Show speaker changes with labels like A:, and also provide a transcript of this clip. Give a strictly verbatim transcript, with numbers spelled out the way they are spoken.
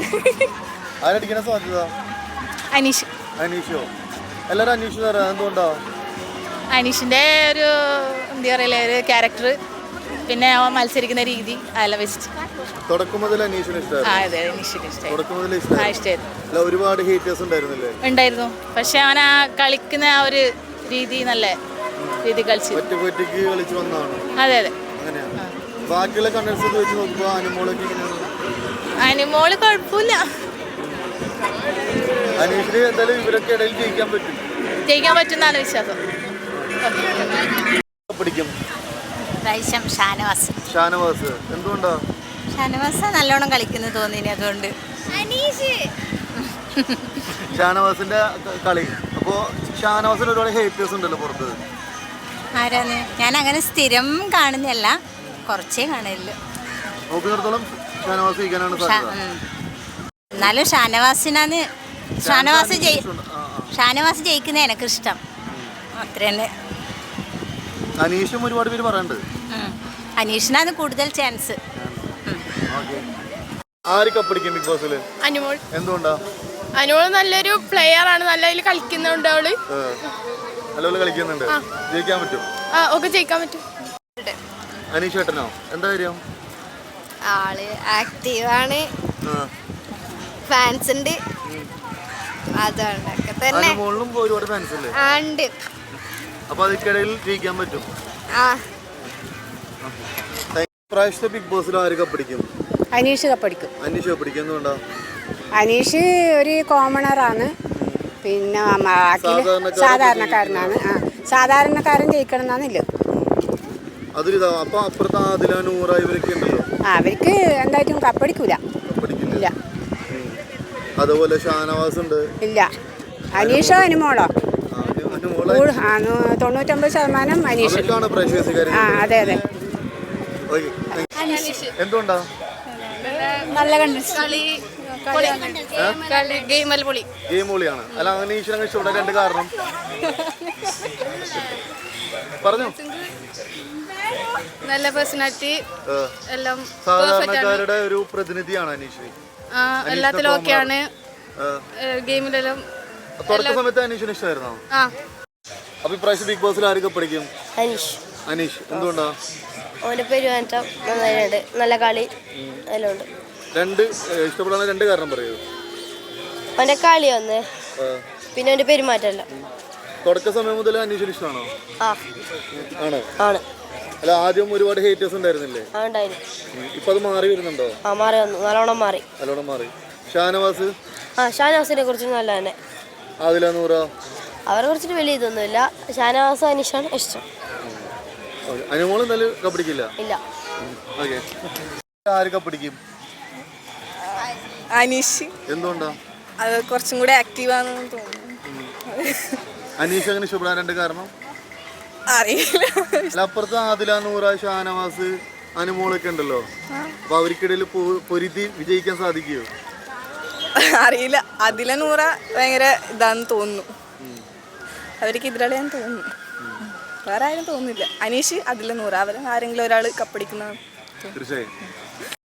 A: ആരടിക്കണ സാധ്യത?
B: അനീഷ്.
A: അനീഷോ? എല്ലാരും അനീഷ് തരാം. എന്തുകൊണ്ടാ?
B: അനീഷിന്റെ ഒരു എന്താ പറയല്ലേ ഒരു ക്യാരക്ടർ, പിന്നെ അവൻ മത്സരിക്കുന്ന രീതി അതെല്ലാം വെച്ചിട്ട്
A: തുടക്കം മുതൽ അനീഷിന് ഇഷ്ടമായിരുന്നു. ഒരുപാട് ഹേറ്റേഴ്സ് ഉണ്ടായിരുന്നില്ലേ?
B: ഉണ്ടായിരുന്നു. പക്ഷെ അവൻ ആ കളിക്കുന്ന ആ ഒരു രീതി നല്ല രീതി കളിച്ചു.
A: ഒറ്റയ്ക്ക് കളിച്ചു വന്നതാണ്.
B: അതെ അതെ.
A: അങ്ങനെയാണ്. ബാക്കിയുള്ള കണ്ടൻസ് വെച്ച് നോക്കുമ്പോൾ അനുമോളൊക്കെ
B: അനുമോള് കുഴപ്പമില്ല.
A: അനീഷിന് എന്തായാലും ഇവരൊക്കെ ഇടയിൽ ജയിക്കാൻ പറ്റും
B: ജയിക്കാൻ പറ്റുന്നാണ് വിശ്വാസം.
A: പിടിക്കും
B: ഷാനവാസ്.
A: ഷാനവാസ് എന്തുകൊണ്ടാ?
B: ഷാനവാസ് നല്ലോണം കളിക്കുന്നു തോന്നിനി, അതുകൊണ്ട്.
A: ഷാനവാസിന്റെ കളി. അപ്പോ ഷാനവാസിന് ഒരുപാട് ഹേറ്റേഴ്സ് ഉണ്ടല്ലോ പുറത്ത്.
B: ആരാന്ന്? ഞാൻ അങ്ങനെ സ്ഥിരം കാണുന്നല്ല, കുറച്ചേ കാണുള്ളൂ.
A: നോക്കുന്നിടത്തോളം ഷാനവാസ് ജയിക്കാനാണ് സാധ്യത.
B: എന്നാലും ഷാനവാസിനാണ് ഷാനവാസ് ജയി ഷാനവാസ് ജയിക്കുന്ന എനിക്കിഷ്ടം. അത്ര തന്നെ.
A: അനീഷും ഒരുപാട് പേര് പറയുന്നുണ്ട്.
B: അനീഷിനാണ് കൂടുതൽ ചാൻസ്.
A: ആര് കപ്പടിക്കും ബിഗ് ബോസിൽ?
C: അനുമോൾ.
A: എന്തുകൊണ്ടാ?
C: അനുമോൾ നല്ലൊരു പ്ലെയർ ആണ്, നല്ല രീതിയിൽ കളിക്കുന്നുണ്ട്. അവള്
A: നല്ലപോലെ കളിക്കുന്നുണ്ട്. ജയിക്കാൻ പറ്റും?
C: ഒക്കെ ജയിക്കാൻ പറ്റും.
A: അനീഷ് ചേട്ടനോ? എന്താ കാര്യം?
C: ആള് ആക്റ്റീവാണ്, ഫാൻസ് ഉണ്ട്, അതുകൊണ്ടൊക്കെ തന്നെ.
A: അനുമോളിനും ഒരുപാട് ഫാൻസ് അല്ലേ?
C: ഉണ്ട്.
A: അപ്പൊ അതിക്കിടയിൽ ജയിക്കാൻ പറ്റും.
C: ആ
A: പ്രാവശ്യത്തെ ബിഗ് ബോസിൽ ആര് കപ്പടിക്കും?
D: അനീഷ് കപ്പടിക്കും.
A: അനീഷ് കപ്പടിക്കും. എന്തുകൊണ്ടാ?
D: അനീഷ് ഒരു കോമണറാണ്, പിന്നെ സാധാരണക്കാരനാണ്. ആ സാധാരണക്കാരൻ ജയിക്കണം എന്നാണില്ല.
A: അതൊരിതാ. അപ്പൊ അപ്പുറത്ത് ആദില, നൂറ ഇവരൊക്കെ ഉണ്ടല്ലോ.
D: അവർക്ക് എന്തായിട്ടും കപ്പടിക്കൂല.
A: കപ്പടിക്കില്ല. അതുപോലെ ഷാനവാസ് ഉണ്ട്.
D: ഇല്ല. അനീഷോ അനുമോളോ? തൊണ്ണൂറ്റൊമ്പത് ശതമാനം അനീഷ്. ആ അതെ അതെ.
A: എന്തുകൊണ്ടാ?
B: നല്ല
A: ഗെയിം പൊളിയാണ്. അല്ല, അനീഷിനെ ഇഷ്ടപ്പെട്ട രണ്ട് കാരണം പറഞ്ഞു.
C: നല്ല പേഴ്സണാലിറ്റി എല്ലാം.
A: സാധാരണക്കാരുടെ ഒരു പ്രതിനിധിയാണ് അനീഷ്.
C: എല്ലാത്തിലും ഓക്കെയാണ്. ഗെയിമിലെല്ലാം
A: തുടക്ക സമയത്ത് അനീഷിന് ഇഷ്ടമായിരുന്നോ? അപ്പൊ ഇപ്രാവശ്യം ബിഗ് ബോസിൽ ആര് കപ്പടിക്കും?
C: അനീഷ്.
A: അനീഷ് എന്തുകൊണ്ടാ?
C: ഓന്റെ പെരുമാറ്റം നന്നായിട്ടുണ്ട്, നല്ല കളി എല്ലാം ഉണ്ട്.
A: രണ്ട് ഇഷ്ടപ്പെടാൻ രണ്ട് കാരണം പറയൂ.
C: അവന്റെ കളി ഒന്ന്, പിന്നെ അവന്റെ പെരുമാറ്റമല്ല.
A: തുടക്ക സമയം മുതൽ അനീഷിന് ഇഷ്ടമാണോ? ആണ്.
C: ആണ്.
A: അല്ല, ആദ്യം ഒരുപാട് ഹേറ്റേഴ്സ് ഉണ്ടായിരുന്നില്ലേ? ഇപ്പൊ അത് മാറി വരുന്നുണ്ടോ?
C: ആ മാറി വന്നു, നല്ലോണം മാറി.
A: നല്ലോണം മാറി. ഷാനവാസ്?
C: ആ ഷാനവാസിനെ കുറിച്ച് നല്ല തന്നെ.
A: ആദില, നൂറ
C: അവരെ കുറിച്ചിട്ട് വലിയ ഇതൊന്നുമില്ല. ഷാനവാസ് അനീഷാണ് ഇഷ്ടം.
A: അനുമോൾ എന്തായാലും കപ്പടിക്കില്ല.
C: ഇല്ല.
A: ഓക്കെ. ആര് കപ്പടിക്കും?
B: അനീഷ്.
A: എന്തുകൊണ്ടാ?
B: അത് കുറച്ചും കൂടെ ആക്റ്റീവാണെന്ന് തോന്നുന്നു.
A: അനീഷ് അങ്ങനെ ഇഷ്ടപ്പെടാൻ രണ്ട് കാരണം
B: അറിയില്ല.
A: അല്ല, അപ്പുറത്ത് ആദില, നൂറ, ഷാനവാസ്, അനുമോളൊക്കെ ഉണ്ടല്ലോ. അപ്പൊ അവർക്കിടയിൽ പൊരുതി വിജയിക്കാൻ സാധിക്കുമോ?
B: അറിയില്ല. അതില നൂറ ഭയങ്കര ഇതാന്ന് തോന്നുന്നു. അവർക്ക് എതിരാളിയാന്ന് തോന്നുന്നു. വേറെ ആരും തോന്നുന്നില്ല. അനീഷ്, അതില നൂറ, അവർ ആരെങ്കിലും ഒരാൾ കപ്പടിക്കുന്നതാണ്.
A: തീർച്ചയായും.